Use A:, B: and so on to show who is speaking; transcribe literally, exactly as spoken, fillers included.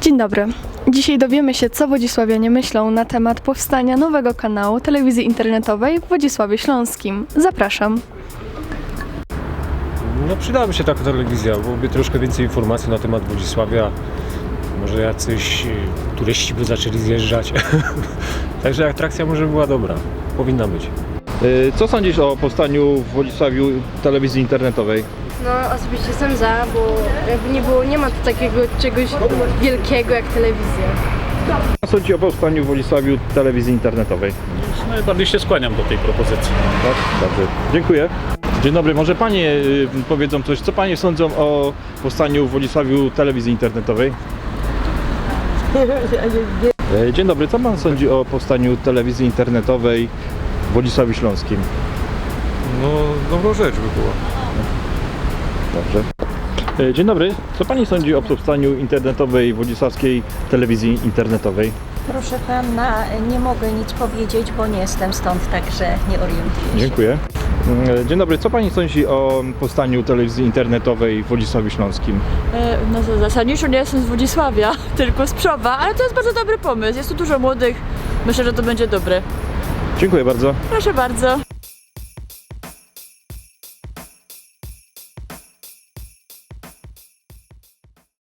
A: Dzień dobry. Dzisiaj dowiemy się, co wodzisławianie myślą na temat powstania nowego kanału telewizji internetowej w Wodzisławiu Śląskim. Zapraszam.
B: No przydałaby się taka telewizja, byłoby troszkę więcej informacji na temat Wodzisławia. Może jacyś y, turyści by zaczęli zjeżdżać. Także atrakcja może była dobra. Powinna być.
C: Co sądzisz o powstaniu w Wodzisławiu telewizji internetowej?
D: No osobiście jestem za, bo jakby nie było, nie ma tu takiego czegoś wielkiego jak telewizja.
C: Co sądzisz o powstaniu w Wodzisławiu telewizji internetowej?
E: Najbardziej się skłaniam do tej propozycji.
C: Tak, dobrze. Dziękuję. Dzień dobry, może panie y, powiedzą coś, co panie sądzą o powstaniu w Wodzisławiu telewizji internetowej? E, Dzień dobry, co pan sądzi o powstaniu telewizji internetowej w Wodzisławiu Śląskim?
B: No, dobrą rzecz by była.
C: Dobrze. E, Dzień dobry, co pani sądzi o powstaniu internetowej wodzisławskiej telewizji internetowej?
F: Proszę pana, nie mogę nic powiedzieć, bo nie jestem stąd, także nie orientuję się.
C: Dziękuję. E, Dzień dobry, co pani sądzi o powstaniu telewizji internetowej w Wodzisławiu Śląskim?
G: E, No zasadniczo nie jestem z Wodzisławia, tylko z Przowa, ale to jest bardzo dobry pomysł. Jest tu dużo młodych. Myślę, że to będzie dobre.
C: Dziękuję bardzo.
G: Proszę bardzo.